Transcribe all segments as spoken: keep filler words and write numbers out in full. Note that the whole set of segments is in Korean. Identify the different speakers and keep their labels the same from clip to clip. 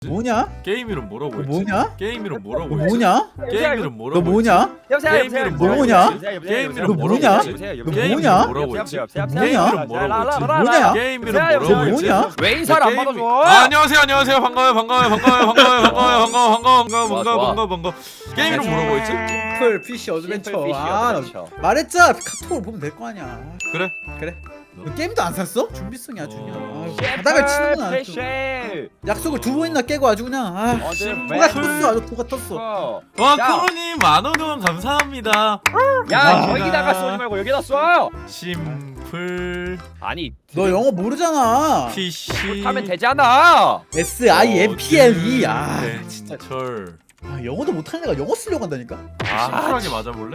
Speaker 1: 뭐냐?
Speaker 2: 게임 이름 뭐라고 했지?
Speaker 1: 뭐냐?
Speaker 2: 게임 이름 뭐라고
Speaker 1: 너
Speaker 2: 했지?
Speaker 1: 뭐냐?
Speaker 2: 게임 이름
Speaker 1: 너
Speaker 2: 뭐라고
Speaker 1: 뭐냐?
Speaker 3: 여보세요,
Speaker 2: 게임
Speaker 3: 여보세요,
Speaker 2: 이름
Speaker 3: 여보세요,
Speaker 1: 뭐냐?
Speaker 3: 여보세요, 여보세요,
Speaker 2: 게임
Speaker 3: 여보세요,
Speaker 2: 이름
Speaker 1: 뭐냐?
Speaker 3: 여보세요,
Speaker 1: 너
Speaker 3: 여보세요,
Speaker 2: 게임
Speaker 1: 뭐냐?
Speaker 2: 이름 뭐라고 했지?
Speaker 3: 여보세요,
Speaker 1: 뭐냐?
Speaker 2: 게임 이름 뭐라고 했지?
Speaker 1: 뭐냐?
Speaker 2: 게임 이름
Speaker 3: 여보세요,
Speaker 2: 뭐라고 했지?
Speaker 1: 뭐냐?
Speaker 3: 왜 인사를 안
Speaker 2: 게임-
Speaker 3: 받아줘?
Speaker 2: 아, 안녕하세요 안녕하세요 반가워요 반가워요 반가워요 반가워요 반가워요 반가워 반가워 반가워
Speaker 3: 좋아,
Speaker 2: 반가워
Speaker 3: 좋아.
Speaker 2: 반가워 반가워 게임 이름 뭐라고 했지?
Speaker 1: 풀 피쉬 어드벤처.
Speaker 3: 심플
Speaker 1: 아, 나
Speaker 3: 어드벤처.
Speaker 1: 말했잖아. 카톡으로 보면 될 거 아니야.
Speaker 2: 그래
Speaker 1: 그래. 너 게임도 안 샀어? 준비성이 아주 그냥.
Speaker 2: 어.
Speaker 1: 아유, 바닥을 치는구나. 또.
Speaker 3: 피쉬.
Speaker 1: 약속을 두 번이나 깨고 아주 그냥. 아,
Speaker 3: 어드벤처.
Speaker 1: 뭐가 떴어? 아주 뭐가 떴어.
Speaker 2: 와
Speaker 3: 야.
Speaker 2: 크로님 만원 후원 감사합니다.
Speaker 3: 야,
Speaker 1: 아.
Speaker 3: 여기다가 쏘지 말고 여기다 쏴.
Speaker 2: 심플
Speaker 3: 아니,
Speaker 1: 너 영어 모르잖아.
Speaker 2: 피시
Speaker 3: 하면 되잖아.
Speaker 1: S I M P L E. 아, 진짜.
Speaker 2: 철
Speaker 1: 아, 영어도 못하는 애가 영어 쓰려고 한다니까.
Speaker 2: 심플하게 맞아볼래?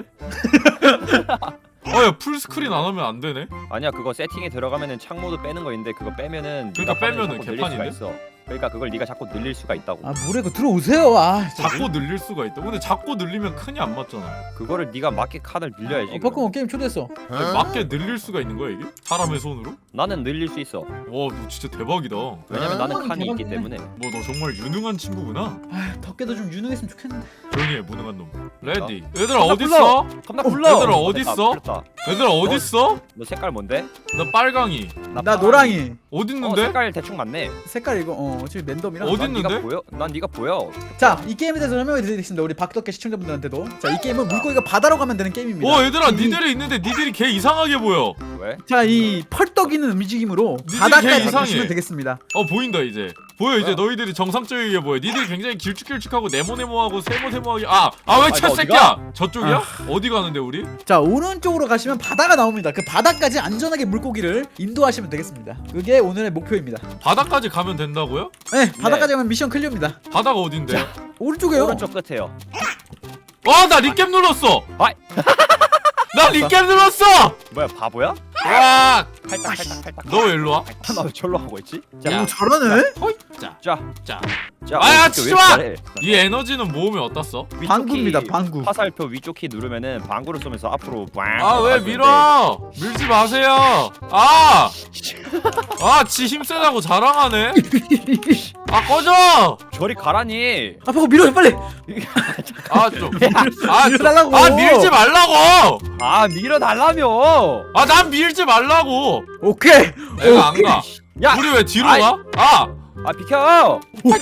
Speaker 2: 어야 풀스크린 안 하면 안 되네.
Speaker 3: 아니야, 그거 세팅에 들어가면은 창 모드 빼는 거 있는데 그거 빼면은
Speaker 2: 그러니까
Speaker 3: 네가 화면을
Speaker 2: 빼면은
Speaker 3: 자꾸 늘릴 수가
Speaker 2: 개판인데?
Speaker 3: 있어. 그러니까 그걸 네가 자꾸 늘릴 수가 있다고.
Speaker 1: 아, 뭐래 그 들어오세요. 아, 진짜.
Speaker 2: 자꾸 늘릴 수가 있다. 근데 자꾸 늘리면 큰이 안 맞잖아.
Speaker 3: 그거를 네가 맞게 칸을 늘려야지.
Speaker 1: 어, 바꾸면 게임 초대했어.
Speaker 2: 아니, 맞게 늘릴 수가 있는 거야 이게? 사람의 손으로?
Speaker 3: 나는 늘릴 수 있어.
Speaker 2: 와 너 진짜 대박이다. 뭐
Speaker 3: 왜냐면
Speaker 1: 아,
Speaker 3: 나는 칸이 있기
Speaker 1: 대박이네.
Speaker 3: 때문에.
Speaker 2: 너 정말 유능한 친구구나.
Speaker 1: 아, 덕계도 좀 유능했으면 좋겠는데.
Speaker 2: 조용히 해 무능한 놈. 레디. 얘들아
Speaker 3: 깜짝
Speaker 2: 어딨어?
Speaker 3: 겁나
Speaker 1: 어,
Speaker 3: 불러.
Speaker 2: 얘들아,
Speaker 3: 어,
Speaker 2: 어딨어?
Speaker 3: 됐다, 풀렸다.
Speaker 2: 얘들아 어딨어?
Speaker 3: 너 색깔 뭔데?
Speaker 2: 나 빨강이.
Speaker 1: 나
Speaker 3: 파랑이.
Speaker 1: 노랑이.
Speaker 3: 어,
Speaker 2: 어딨는데?
Speaker 3: 색깔 대충 맞네.
Speaker 1: 색깔 이거 어 어차피 랜덤이라.
Speaker 2: 어디
Speaker 3: 난
Speaker 2: 있는데?
Speaker 3: 네가 보여? 난 네가 보여.
Speaker 1: 자, 이 게임에 대해서 설명해 드리겠습니다. 우리 박덕계 시청자분들한테도. 자, 이 게임은 물고기가 바다로 가면 되는 게임입니다.
Speaker 2: 어 얘들아
Speaker 1: 이-
Speaker 2: 니들이 있는데 니들이 개 이상하게 보여.
Speaker 3: 왜?
Speaker 1: 자, 이 펄떡이는 움직임으로
Speaker 2: 니들이 개
Speaker 1: 바다까지
Speaker 2: 이상해.
Speaker 1: 가시면 되겠습니다.
Speaker 2: 어 보인다 이제. 보여 이제
Speaker 3: 뭐야?
Speaker 2: 너희들이 정상적이게 보여. 니들이 굉장히 길쭉길쭉하고 네모네모하고 세모세모하게. 아 아 왜
Speaker 3: 아니,
Speaker 2: 차
Speaker 3: 너
Speaker 2: 새끼야? 저쪽이야? 어디 가는데 우리?
Speaker 1: 자, 오른쪽으로 가시면 바다가 나옵니다. 그 바다까지 안전하게 물고기를 인도하시면 되겠습니다. 그게 오늘의 목표입니다.
Speaker 2: 바다까지 가면 된다고요?
Speaker 1: 네, 바다까지 가면 미션 클리어입니다.
Speaker 2: 바다가 어딘데?
Speaker 1: 오른쪽에요.
Speaker 3: 오른쪽 끝에요.
Speaker 2: 와 나 립캡 눌렀어.
Speaker 3: 아이.
Speaker 2: 나 립캡 눌렀어.
Speaker 3: 뭐야, 바보야?
Speaker 2: 와.
Speaker 3: 팔딱 팔딱 팔딱.
Speaker 2: 너 왜 일로 와?
Speaker 3: 나 왜 절로 하고 있지?
Speaker 2: 야.
Speaker 3: 자,
Speaker 1: 오, 잘하네.
Speaker 2: 자,
Speaker 3: 자,
Speaker 2: 자.
Speaker 3: 자.
Speaker 2: 아야,
Speaker 3: 오른쪽
Speaker 2: 치지
Speaker 3: 왜
Speaker 2: 마!
Speaker 3: 잘해?
Speaker 2: 이 에너지는 모으면 어떻어?
Speaker 3: 위쪽
Speaker 1: 방구입니다,
Speaker 3: 키,
Speaker 1: 방구.
Speaker 3: 화살표 위쪽 키 누르면은 방구를 쏘면서 앞으로 빵.
Speaker 2: 아 왜 밀어? 밀지 마세요. 아, 아, 지 힘세다고 자랑하네. 아 꺼져.
Speaker 3: 저리 가라니.
Speaker 1: 아, 보고 밀어 빨리.
Speaker 2: 아 좀. 아, 좀.
Speaker 1: 밀어달라고.
Speaker 2: 아 밀지 말라고.
Speaker 3: 아, 밀어달라며.
Speaker 2: 아 난 밀지 말라고.
Speaker 1: 오케이.
Speaker 2: 내가 안 가.
Speaker 3: 야,
Speaker 2: 우리 왜 뒤로
Speaker 3: 아이.
Speaker 2: 가? 아,
Speaker 3: 아 비켜.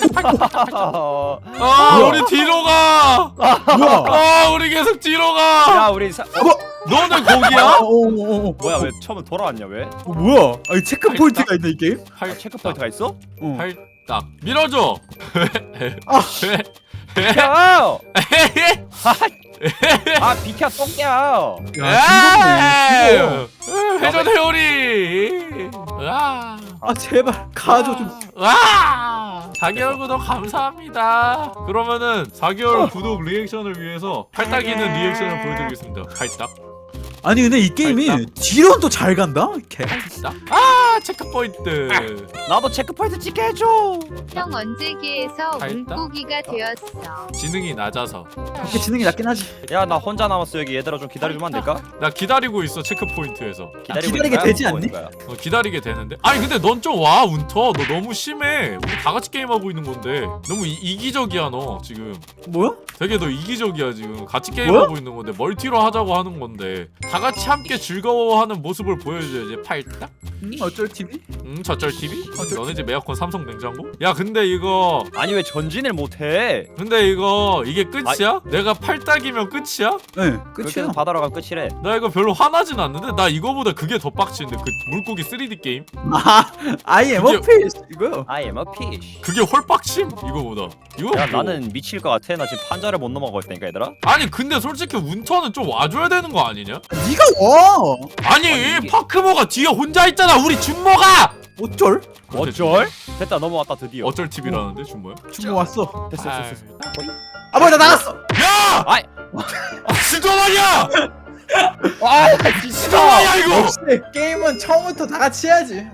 Speaker 2: 아
Speaker 1: 뭐야?
Speaker 2: 우리 뒤로 가.
Speaker 1: 뭐야?
Speaker 2: 아 우리 계속 뒤로 가.
Speaker 3: 야, 우리 사... 어,
Speaker 2: 너는 거기야?
Speaker 1: 어, 어, 어, 어.
Speaker 3: 뭐야, 왜 처음에 돌아왔냐 왜?
Speaker 1: 어, 뭐야? 아니 체크 포인트가 있네 이 게임.
Speaker 3: 아,
Speaker 2: 팔
Speaker 3: 체크 포인트가 있어?
Speaker 1: 어.
Speaker 2: 팔딱 밀어줘.
Speaker 1: 아.
Speaker 3: 비켜. 아, 비켜 똥이야.
Speaker 1: 야,
Speaker 2: 에이,
Speaker 1: 즐겁네.
Speaker 2: 회전 회오리. 아,
Speaker 1: 아, 제발 가줘 좀.
Speaker 2: 와, 사 개월 구독 감사합니다. 그러면은 사 개월 구독 리액션을 위해서 팔딱이는 리액션을 보여드리겠습니다. 팔딱,
Speaker 1: 아니 근데 이 게임이
Speaker 2: 맛있다.
Speaker 1: 뒤로는 또 잘 간다. 개.
Speaker 2: 팔딱. 아, 체크 포인트.
Speaker 3: 나도 체크 포인트 찍게 해줘.
Speaker 4: 형 언제 기에서
Speaker 2: 다 했다?
Speaker 4: 물고기가 되었어.
Speaker 2: 지능이 낮아서.
Speaker 1: 이게 지능이 낮긴 하지.
Speaker 3: 야, 나 혼자 남았어 여기. 얘들아 좀 기다려주면 안 될까?
Speaker 2: 나 기다리고 있어 체크 포인트에서.
Speaker 3: 기다리고
Speaker 1: 기다리게
Speaker 3: 있는 거야?
Speaker 1: 되지
Speaker 3: 먹고
Speaker 1: 않니?
Speaker 3: 있는 거야?
Speaker 2: 어, 기다리게 되는데. 아니 근데 넌 좀 와 운터. 너 너무 심해. 우리 다 같이 게임하고 있는 건데 너무 이, 이기적이야 너 지금.
Speaker 1: 뭐야?
Speaker 2: 되게 너 이기적이야 지금. 같이 게임하고 있는 건데 멀티로 하자고 하는 건데 다 같이 함께 즐거워하는 모습을 보여줘야지. 팔딱.
Speaker 1: 음, 어쩔 티비?
Speaker 2: 음 저쩔 티비?
Speaker 1: 어쩔
Speaker 2: 너네 집 에어컨 삼성 냉장고? 야 근데 이거
Speaker 3: 아니 왜 전진을 못해?
Speaker 2: 근데 이거 이게 끝이야? 내가 팔딱이면 끝이야?
Speaker 1: 네,
Speaker 3: 그렇게
Speaker 1: 끝이야.
Speaker 3: 해서 바다로 가면 끝이래.
Speaker 2: 나 이거 별로 화나진 않는데 나 이거보다 그게 더 빡치는데 그 물고기 쓰리디 게임?
Speaker 1: 아, I am a
Speaker 2: 그게-
Speaker 1: fish 이거요.
Speaker 3: I am a fish.
Speaker 2: 그게 훨 빡침 이거보다. 이거
Speaker 3: 야,
Speaker 2: 뭐.
Speaker 3: 나는 미칠 것 같아. 나 지금 판자를 못 넘어가고 있다니까 얘들아.
Speaker 2: 아니 근데 솔직히 운터는 좀 와줘야 되는 거 아니냐?
Speaker 1: 네가 와.
Speaker 2: 아니,
Speaker 3: 아니, 이게-
Speaker 2: 파크모가 뒤에 혼자 있잖아. 우리 준모가.
Speaker 1: 어쩔?
Speaker 3: 어쩔? 됐다, 넘어왔다 드디어.
Speaker 2: 어쩔 팁이라는데 준모야?
Speaker 1: 중고 왔어.
Speaker 3: 됐어, 됐어, 됐어.
Speaker 1: 아, 뭐야 나 나갔어.
Speaker 2: 야!
Speaker 3: 아이.
Speaker 2: 아, 진짜 말이야!
Speaker 3: 아,
Speaker 2: 진짜
Speaker 3: 진짜.
Speaker 2: 말이야 이거!
Speaker 1: 역시 게임은 처음부터 다 같이 해야지.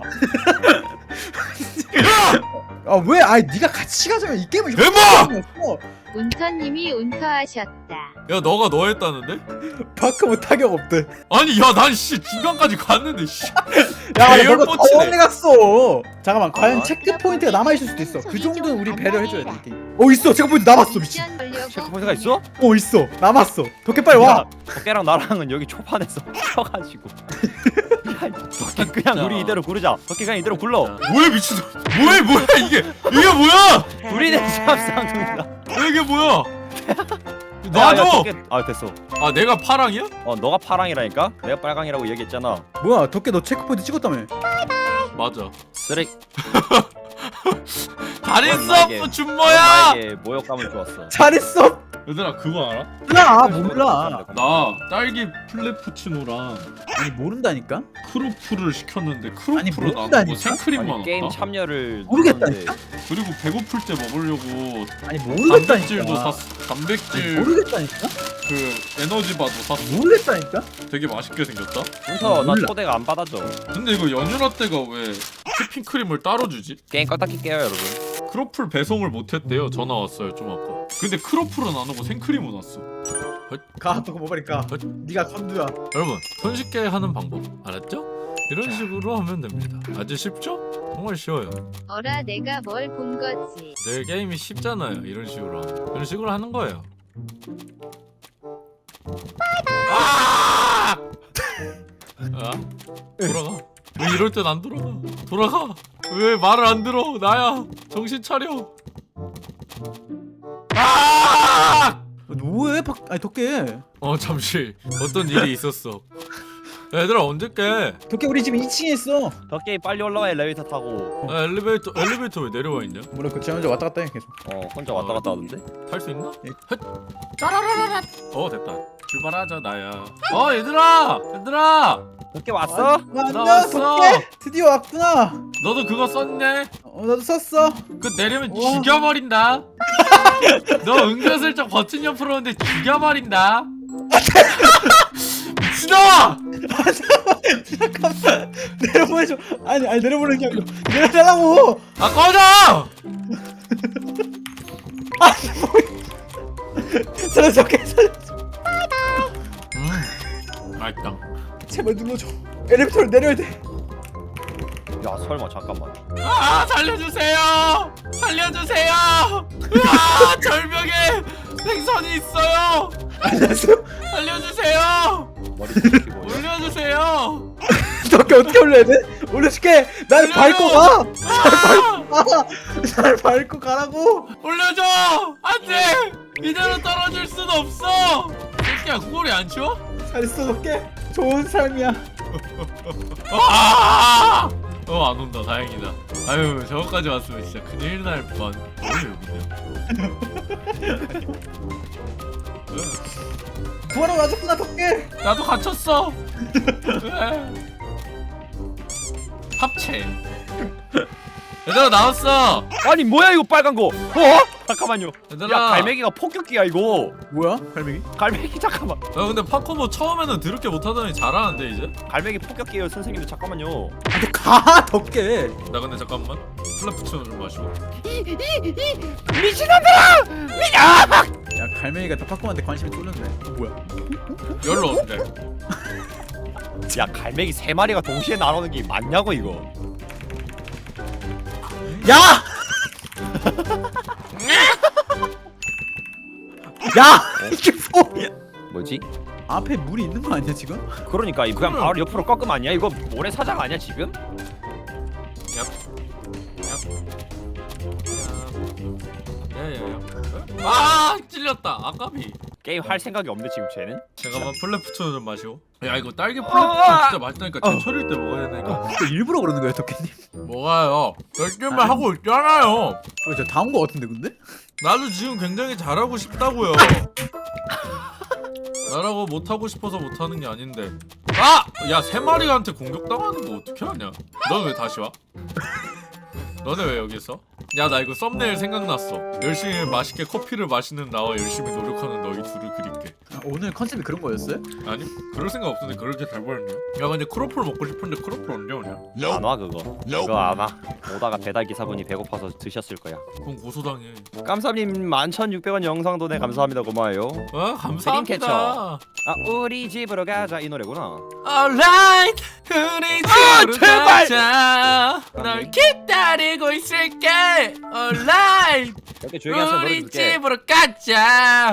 Speaker 1: 아, 왜? 아니 네가 같이 가자면 이 게임은
Speaker 2: 대박!
Speaker 1: 효과가 없어.
Speaker 4: 운터님이 운터하셨다.
Speaker 2: 야 너가 너 했다는데?
Speaker 1: 파크모 타격 없대.
Speaker 2: 아니 야 난 씨 중간까지 갔는데 씨.
Speaker 1: 야
Speaker 2: 배열
Speaker 1: 너가
Speaker 2: 뻗치네.
Speaker 1: 더 오래 갔어. 잠깐만 과연
Speaker 3: 아,
Speaker 1: 체크 포인트가 남아 있을 수도 있어. 그 정도는 우리 배려해줘야 돼. 이 게임. 어 있어. 체크 포인트 남았어. 미친.
Speaker 4: 미션 보려고
Speaker 3: 체크포인트가 있어?
Speaker 1: 어 있어. 남았어. 덕계 빨리 와.
Speaker 3: 덕계랑 나랑은 여기 초반에서 펴가지고. 야, 덕계 그냥 우리 이대로 구르자. 덕계 그냥 이대로 굴러.
Speaker 2: 뭐야 미친. 뭐야 뭐야 이게 이게 뭐야?
Speaker 3: 우리는 쌈쌍둥이다.
Speaker 2: 이게 뭐야?
Speaker 3: 야, 야,
Speaker 2: 나도.
Speaker 3: 덕계- 아 됐어.
Speaker 2: 아 내가 파랑이야?
Speaker 3: 어 너가 파랑이라니까? 내가 빨강이라고 얘기했잖아.
Speaker 1: 뭐야 덕계 너 체크 포인트 찍었다며.
Speaker 2: 맞아.
Speaker 3: 쓰레기.
Speaker 2: 다리
Speaker 3: 넌 나에게-
Speaker 2: 서프 준모야.
Speaker 3: 나에게 모욕감을 주었어.
Speaker 1: 잘했어.
Speaker 2: 얘들아 그거 알아?
Speaker 1: 몰라 몰라.
Speaker 2: 나 딸기 플레푸치노랑
Speaker 1: 아니 모른다니까.
Speaker 2: 크로플을 시켰는데
Speaker 1: 아니,
Speaker 2: 크로플은 안
Speaker 1: 모른다니까?
Speaker 2: 먹고 생크림만
Speaker 3: 아니, 게임
Speaker 2: 왔다.
Speaker 3: 참여를
Speaker 1: 모르겠다니까?
Speaker 3: 누르는데
Speaker 2: 그리고 배고플 때 먹으려고
Speaker 1: 아니
Speaker 2: 단백질도
Speaker 1: 모르겠다니까.
Speaker 2: 샀어. 단백질
Speaker 1: 모르겠다니까.
Speaker 2: 그 에너지바도 샀어.
Speaker 1: 모르겠다니까.
Speaker 2: 되게 맛있게 생겼다.
Speaker 3: 문터 나
Speaker 1: 몰라.
Speaker 3: 초대가 안 받아줘.
Speaker 2: 근데 이거 연유라떼가 왜 휘핑크림을 따로 주지?
Speaker 3: 게임 껐다 킬게요 여러분.
Speaker 2: 크로플 배송을 못했대요. 전화 왔어요 좀 아까. 근데 크로플은 안 오고 생크림은 왔어.
Speaker 1: 가 덕계 모발이 가.
Speaker 2: 어?
Speaker 1: 네가 감두야.
Speaker 2: 여러분 손쉽게 하는 방법 알았죠? 이런 식으로 하면 됩니다. 아주 쉽죠? 정말 쉬워요.
Speaker 4: 어라 내가 뭘 본 거지.
Speaker 2: 내 게임이 쉽잖아요. 이런 식으로 하면. 이런 식으로 하는 거예요. 아! 아? 돌아가. 왜 이럴 땐 안 돌아가? 돌아가. 왜 말을 안 들어? 나야. 정신 차려. 아!
Speaker 1: 뭐해 박? 아니 덕계.
Speaker 2: 어 잠시 어떤 일이 있었어. 얘들아 언제 깨?
Speaker 1: 덕계 우리 지금 이 층에 있어.
Speaker 3: 덕계 빨리 올라와 엘리베이터 타고.
Speaker 2: 아, 엘리베이터 엘리베이터 왜 내려와 있냐?
Speaker 1: 뭐래 그저 혼자 왔다 갔다 해 계속.
Speaker 3: 어 혼자 왔다 갔다 하던데.
Speaker 2: 탈 수 있나?
Speaker 1: 예.
Speaker 2: 헷. 짜라라라라. 어 됐다. 출발하자 나야. 어 얘들아 얘들아
Speaker 3: 덕계 왔어?
Speaker 1: 아,
Speaker 2: 나
Speaker 1: 안녕
Speaker 2: 왔어.
Speaker 1: 덕계. 드디어 왔구나.
Speaker 2: 너도 그거 썼네?
Speaker 1: 어 나도 썼어.
Speaker 2: 그 내리면
Speaker 1: 우와.
Speaker 2: 죽여버린다. 너 은근슬쩍 버튼 옆으로 오는데 죽여버린다. 미친아!
Speaker 1: 잠깐만 내려보내줘. 아니 아니 내려보내는 게 아니고 내려달라고.
Speaker 2: 아 꺼져!
Speaker 1: 살려 덕계 살려.
Speaker 2: 음 맛있다.
Speaker 1: 제발 눌러줘. 엘리베이터를 내려야 돼.
Speaker 3: 야 설마 잠깐만.
Speaker 2: 아 살려주세요! 살려주세요! 아 절벽에 생선이 있어요!
Speaker 1: 알았어.
Speaker 2: 살려주세요!
Speaker 3: 머리 긁히고.
Speaker 2: 올려주세요!
Speaker 1: 덕계 어떻게 올려야 돼? 올려줄게. 날
Speaker 2: 올려줘.
Speaker 1: 밟고 가.
Speaker 2: 아!
Speaker 1: 아, 날 밟고 가라고.
Speaker 2: 올려줘! 안돼! 이대로 떨어질 순 없어! 새끼야 구걸이 안 치워?
Speaker 1: 잘했어 덕계. 좋은 삶이야.
Speaker 2: 아! 어, 안 온다. 다행이다. 아유, 저거까지 왔으면 진짜 큰일 날 뻔. 왜 여기냐?
Speaker 1: 구하러 와줬구나 덕계.
Speaker 2: 나도 갇혔어. 왜? 합체. 얘들아 나왔어.
Speaker 3: 아니 뭐야 이거 빨간 거? 어? 잠깐만요.
Speaker 2: 얘들아.
Speaker 3: 야 갈매기가 폭격기야 이거.
Speaker 1: 뭐야 갈매기?
Speaker 3: 갈매기 잠깐만.
Speaker 2: 야 근데 파코모 처음에는 드럽게 못하더니 잘하는데 이제?
Speaker 3: 갈매기 폭격기예요 선생님들 잠깐만요.
Speaker 1: 아너가 덕계.
Speaker 2: 나 근데 잠깐만 플라푸치노 좀 마시고.
Speaker 1: 야 갈매기가 다 파코한테 관심이 쏠렸네. 어, 뭐야?
Speaker 2: 열로 어때?
Speaker 3: 야 갈매기 세 마리가 동시에 날아오는 게 맞냐고 이거.
Speaker 1: 야! 야! 이게 뭐야?
Speaker 3: 뭐지?
Speaker 1: 앞에 물이 있는 거 아니야 지금?
Speaker 3: 그러니까 이 그냥
Speaker 2: 그럼.
Speaker 3: 바로 옆으로 꺾으면 아니야? 이거 모래사장 아니야 지금?
Speaker 2: 야야야. 아 찔렸다. 아까비.
Speaker 3: 게임 할 생각이 없는데 지금 쟤는?
Speaker 2: 잠깐만 플레푸치노 좀 마시고. 야 이거 딸기
Speaker 3: 어,
Speaker 2: 플레푸치노
Speaker 3: 아!
Speaker 2: 진짜 맛있다니까. 제철일 때 먹어야 되니까.
Speaker 1: 또 일부러 그러는 거야 덕계님?
Speaker 2: 뭐가요? 열심히 하고 있잖아요.
Speaker 1: 저 다 온 거 같은데 근데?
Speaker 2: 나도 지금 굉장히 잘하고 싶다고요. 나라고 못하고 싶어서 못하는 게 아닌데. 아! 야 세 마리한테 공격당하는 거 어떻게 하냐? 넌 왜 다시 와? 너네 왜 여기 있어? 야 나 이거 썸네일 생각났어. 열심히 맛있게 커피를 마시는 나와 열심히 노력하는 너희 둘을 그릴게.
Speaker 1: 아, 오늘 컨셉이 그런 거였어요?
Speaker 2: 아니 그럴 생각 없는데 그렇게 잘 보였냐? 야 근데 크로플 먹고 싶은데 크로플 언제 오냐?
Speaker 3: 안 와 그거. 그거 안 와. 오다가 배달 기사분이 배고파서 드셨을 거야.
Speaker 2: 그럼 고소당해.
Speaker 3: 깜삼님 만 천육백 원 영상도네 감사합니다 고마워요.
Speaker 2: 아 감사합니다.
Speaker 3: 아 우리 집으로 가자 이 노래구나.
Speaker 2: Alright 우리 집으로
Speaker 3: 제발!
Speaker 2: 가자. 널 기다리고 있을게. Alright
Speaker 3: 이렇게 조용히 하세요. 노래
Speaker 2: 우리
Speaker 3: 줄게.
Speaker 2: 집으로 가자.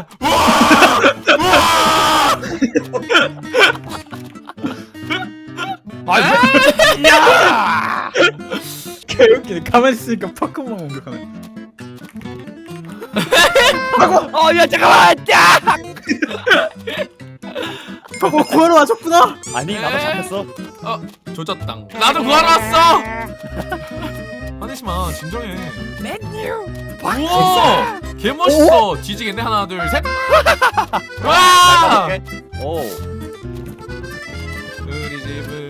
Speaker 3: 아, 야!
Speaker 1: 개웃기네. 가만히 있으니까 파크만 공격하네.
Speaker 3: 어, 야 잠깐만. 야!
Speaker 1: 파크 구하러 와줬구나.
Speaker 3: 아니 나도 잡혔어.
Speaker 2: 어 조졌당. 나도 구하러 왔어. 화내지 마 진정해. 우와 개 멋있어. 뒤지겠네. 하나 둘 셋. 와
Speaker 3: 오.
Speaker 2: 우리 집을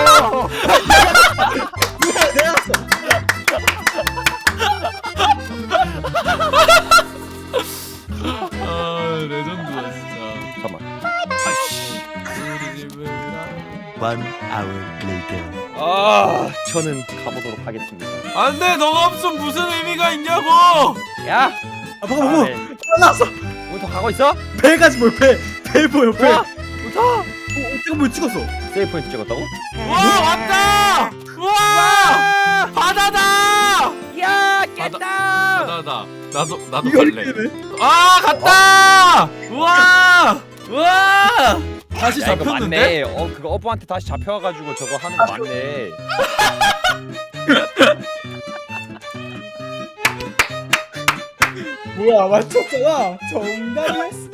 Speaker 1: 내가 왔어.
Speaker 2: 아 레전드다 진짜.
Speaker 3: 잠깐만.
Speaker 2: 아씨 우리 집을
Speaker 5: One hour later.
Speaker 3: 아, 저는 가보도록 하겠습니다.
Speaker 2: 안돼. 너가 없으면 무슨 의미가 있냐고.
Speaker 3: 야,
Speaker 1: 아 방금 뭐
Speaker 3: 네.
Speaker 1: 나왔어.
Speaker 3: 우리 더 가고 있어?
Speaker 1: 배가지 뭐 배. 배 보여 배.
Speaker 3: 와,
Speaker 1: 어,
Speaker 3: 우터.
Speaker 1: 지금 뭐 찍었어?
Speaker 3: 세이브 포인트 찍었다고?
Speaker 2: 와 왔다. 와 바다다.
Speaker 3: 야,
Speaker 2: 바다-
Speaker 3: 깼다.
Speaker 2: 바다다. 나도 나도
Speaker 1: 이걸
Speaker 2: 갈래.
Speaker 1: 이렇게
Speaker 2: 아 갔다. 우와 우와 다시
Speaker 3: 야, 이거
Speaker 2: 잡혔는데?
Speaker 3: 맞네. 어, 그거 어부한테 다시 잡혀가지고 저거 하는 거 맞네.
Speaker 1: 뭐야 맞췄잖아. 정답이었어.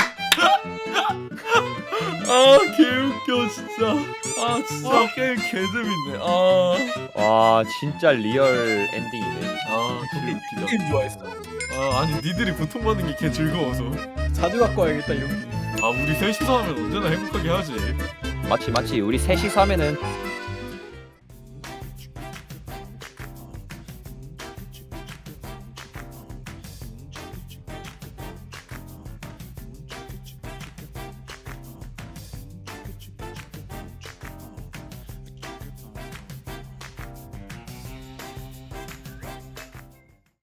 Speaker 2: 아 개웃겨 진짜. 아 진짜 게임 개재밌네. 아,
Speaker 3: 와, 진짜 리얼 엔딩이네.
Speaker 2: 아 개웃기다.
Speaker 1: 게임 좋아했어.
Speaker 2: 아 아니 니들이 고통받는 게 개 즐거워서.
Speaker 1: 자주 갖고 와야겠다 이런 게.
Speaker 2: 아 우리 셋이서 하면 언제나 행복하게 하지.
Speaker 3: 마치 마치 우리 셋이서 하면은